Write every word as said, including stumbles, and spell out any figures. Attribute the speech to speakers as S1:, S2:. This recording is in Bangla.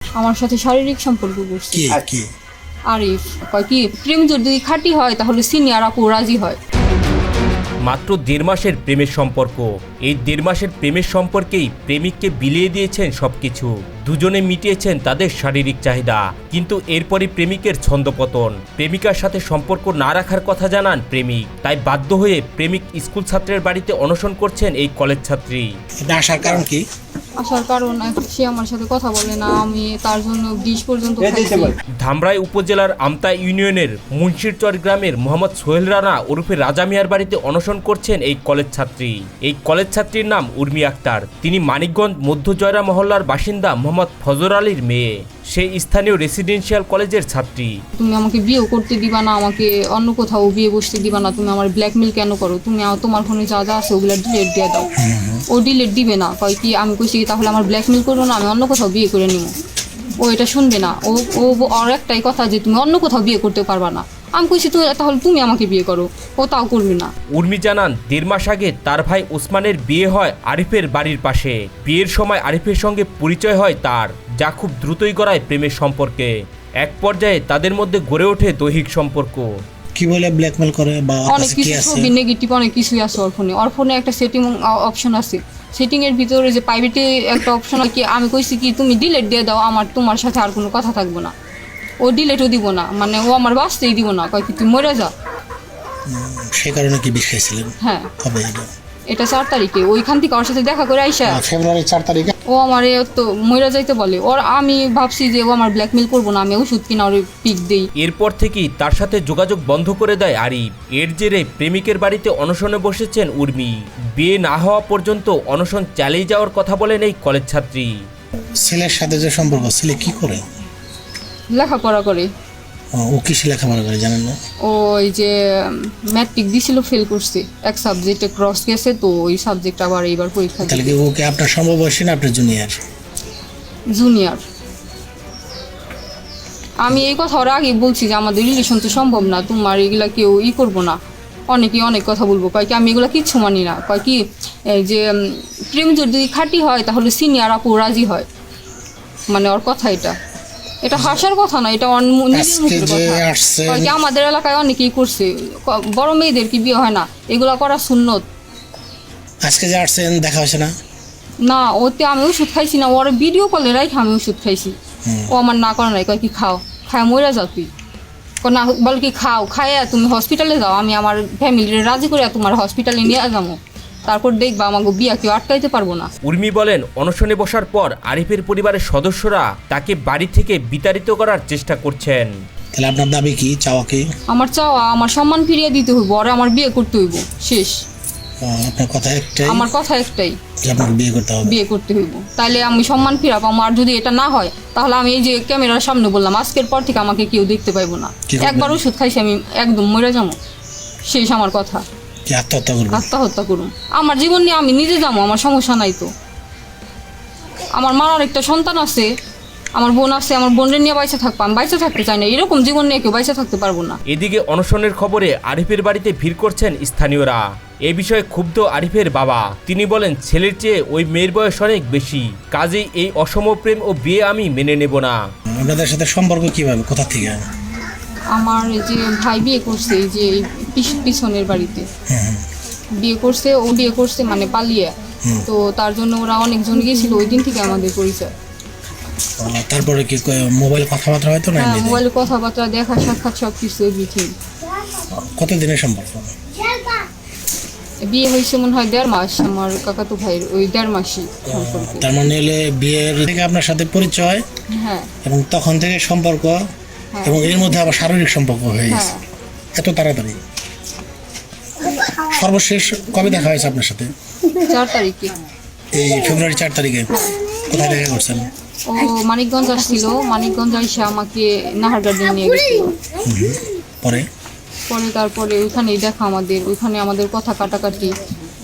S1: আমার সাথে শারীরিক সম্পর্ক করছে।
S2: কি কি
S1: আরিফ কয় কি প্রেম যদি খাঁটি হয় তাহলে সিনিয়র আপু রাজি হয়।
S3: মাত্র দেড় মাসের প্রেমের সম্পর্ক, এই দেড় মাসের প্রেমের সম্পর্কেই প্রেমিককে বিলিয়ে দিয়েছেন সবকিছু। দুজনে মিটিয়েছেন তাদের শারীরিক চাহিদা, কিন্তু এরপরই প্রেমিকের ছন্দপতন। প্রেমিকার সাথে সম্পর্ক না রাখার কথা জানান প্রেমিক, তাই বাধ্য হয়ে প্রেমিক স্কুল ছাত্রের বাড়িতে অনশন করছেন এই কলেজ ছাত্রী।
S2: এটা আসার কারণ কি?
S1: আসার কারণ সে আমার সাথে কথা বলে না, আমি তার জন্য বিষ পর্যন্ত খাইছি।
S3: ধামরাই উপজেলার আমতা ইউনিয়নের মুন্সিরচর গ্রামের মোহাম্মদ সোহেল রানা ওরফে রাজা মিয়ার বাড়িতে অনশন করছেন এই কলেজ ছাত্রী। এই কলেজ ছাত্রীর নাম উর্মি আক্তার। তিনি মানিকগঞ্জ মধ্য জয়রা মহল্লার বাসিন্দা মোহাম্মদ ফজর আলীর মেয়ে। সেই স্থানীয় রেসিডেন্সিয়াল কলেজের ছাত্রী।
S1: তুমি আমাকে বিয়েও করতে দিবা না, আমাকে অন্য কোথাও বিয়ে বসতে দিবা না, তুমি আমার ব্ল্যাকমেল কেন করো? তুমি তোমার ফোনে যা যা আছে ওগুলো ডিলেট দিয়ে দাও। ও ডিলেট দিবে না, কয় কি আমি কইছি তাহলে আমার ব্ল্যাকমেল করবো না, আমি অন্য কোথাও বিয়ে করে নিব। ও এটা শুনবে না, ও ও আর একটাই কথা যে তুমি অন্য কোথাও বিয়ে করতে পারবা না। আমি কইছি তুমি তাহলে তুমি আমাকে বিয়ে করো, ও তাও করবে না।
S3: উর্মি জানান দেড় মাস আগে তার ভাই ওসমানের বিয়ে হয় আরিফের বাড়ির পাশে। বিয়ের সময় আরিফের সঙ্গে পরিচয় হয় তার, যা খুব দ্রুতই গড়ায় প্রেমের সম্পর্কে। এক পর্যায়ে তাদের মধ্যে গড়ে ওঠে দৈহিক সম্পর্ক।
S2: কি বলে ব্ল্যাকমেল করে বা
S1: অনেক কিছু ছবি নেগেটিভ অনেক কিছুই আছে ওর ফোনে। ওর ফোনে একটা সেটিং অপশন আছে, সেটিং এর ভিতরে যে প্রাইভেটে একটা অপশন আছে, আমি কইছি কি তুমি ডিলিট দিয়ে দাও, আমার তোমার সাথে আর কোনো কথা থাকবে না। ও ডিলিটও দিব না, মানে ও আমার বাঁচতেই দিব না, কয় কি তুই মরে যা।
S2: সেই কারণে কি বিষ খাইছিলেন?
S1: হ্যাঁ,
S2: কবে এটা?
S1: এটা চার তারিখে ওইখান থেকে ওর সাথে দেখা করে আইসা
S2: ফেব্রুয়ারি চার তারিখে
S1: ও আমার তো মরে যাইতে বলে। ওর আমি ভাবছি যে ও আমার ব্ল্যাকমেল করবো না, আমি ওষুধ কিনা ওর পিক দেই।
S3: এরপর থেকেই তার সাথে যোগাযোগ বন্ধ করে দেয় আরিফ। এর জেরে প্রেমিকের বাড়িতে অনশনে বসেছেন উর্মি। বিয়ে না হওয়া পর্যন্ত অনশন চালিয়ে যাওয়ার কথা বলেন এই কলেজ ছাত্রী।
S2: ছেলের সাথে যে সম্পর্ক, ছেলে কি করে?
S1: লেখাপড়া করে।
S2: ও কিসে লেখাপড়া করে জানেন না?
S1: ওই যে ম্যাট্রিক দিছিল, ফেল করছে, এক সাবজেক্টে ক্রস গেছে, তো ওই সাবজেক্ট আবার এইবার পরীক্ষা।
S2: তাহলে কি ওকে আপনার সমবয়সী না আপনার জুনিয়র?
S1: জুনিয়র। আমি এই কথা ওর আগে বলছি যে আমাদের রিলেশন তো সম্ভব না, তোমার এগুলা কেউ ই করবো না। অনেকেই অনেক কথা বলবো, কয় কি আমি এগুলো কিচ্ছু মানি না, কয় কি যে প্রেম যদি খাঁটি হয় তাহলে সিনিয়র আপু রাজি হয়। মানে ওর কথা এটা, এটা হাসার কথা না, এটা নিজের মুখের কথা। আমাদের এলাকায় অনেকেই করছে, বড় মেয়েদের কি বিয়ে হয় না, এগুলা করা সুন্নত।
S2: আজকে যে আসছেন দেখা হয়েছে না?
S1: না, ওতে আমি ওষুধ খাইছি না, ওর ভিডিও কলে রাখি আমি ওষুধ খাইছি। ও আমার না করে নাই, কয় কি খাও, খায় মরে যাও তুই। না বল কি খাও, খাইয়া তুমি হসপিটালে যাও, আমি আমার ফ্যামিলির রাজি করে তোমার হসপিটালে নিয়ে যাবো, তারপর দেখবা আমাকে বিয়া কেউ আটকাইতে পারবো না।
S3: উর্মি বলেন অনশনে বসার পর আরিফের পরিবারের সদস্যরা তাকে বাড়ি থেকে বিতাড়িত করার চেষ্টা করছেন।
S2: তাহলে আপনার দাবি কি, চাওয়া কি?
S1: আমার চাওয়া আমার সম্মান ফিরিয়ে দিতে হইব, আর আমার বিয়ে করতে হইব, শেষ।
S2: আপনার কথা একটাই?
S1: আমার কথা একটাই,
S2: আপনাকে বিয়ে করতে হবে।
S1: বিয়ে করতে হইব, তাইলে আমি সম্মান ফিরাবো। আমার যদি এটা না হয় তাহলে আমি এই যে ক্যামেরার সামনে বললাম আজকের পর থেকে আমাকে কেউ দেখতে পাইবো না। একবার ওষুধ খাইছি আমি একদম মরে যাবো, শেষ আমার কথা।
S2: আত্মহত্যা করবো?
S1: আত্মহত্যা করুন, আমার জীবন নিয়ে আমি নিজে যাবো, আমার সমস্যা নাই তো। আমার মার একটা সন্তান আছে, আমার বোন আছে, আমার বোনের নিয়ে বাইসে থাকবো, আমি বাইসে থাকতে চাই না, এরকম জীবন নিয়ে কেউ বাইসে থাকতে পারবো না।
S3: এদিকে অনশনের খবরে আরিফের বাড়িতে ভিড় করছেন স্থানীয়রা। এ বিষয়ে ক্ষুব্ধ আরিফের বাবা। তিনি বলেন ছেলের চেয়ে ওই মেয়ের বয়স অনেক বেশি, কাজেই এই অসম প্রেম ও বিয়ে আমি মেনে নেব না।
S2: আপনাদের সাথে সম্পর্ক কিভাবে, কোথা থেকে?
S1: আমার যে ভাই বিয়ে করছে এই যে পিছনের বাড়িতে বিয়ে করছে, ও বিয়ে করছে মানে পালিয়ে, তো তার জন্য ওরা অনেকজন গিয়েছিল, ওই দিন থেকে আমাদের পরিচয়।
S2: তারপরে কি মোবাইল কথাবার্তা হয়তো না?
S1: হ্যাঁ, মোবাইলে কথাবার্তা, দেখা সাক্ষাৎ সব কিছু এভরিথিং।
S2: কতদিনের সম্পর্ক?
S1: বিয়ে হয়েছে মনে হয় দেড় মাস, আমার কাকাতো ভাইয়ের ওই দেড় মাসই সম্পর্ক।
S2: তার মানে হলে বিয়ের থেকে আপনার সাথে পরিচয়,
S1: হ্যাঁ,
S2: এবং তখন থেকে সম্পর্ক, এবং এর মধ্যে আবার শারীরিক সম্পর্ক হয়ে গেছে এত তাড়াতাড়ি। সর্বশেষ কবে দেখা হয়েছে আপনার সাথে?
S1: চার তারিখে।
S2: এই ফেব্রুয়ারি চার তারিখে? কোথায় দেখা করছেন?
S1: ও মানিকগঞ্জ আসছিল, মানিকগঞ্জ এসে আমাকে নাহার গার্ডেন নিয়ে গেছিল।
S2: পরে
S1: পরে তারপরে ওইখানেই দেখা আমাদের, ওইখানে আমাদের কথা কাটাকাটি,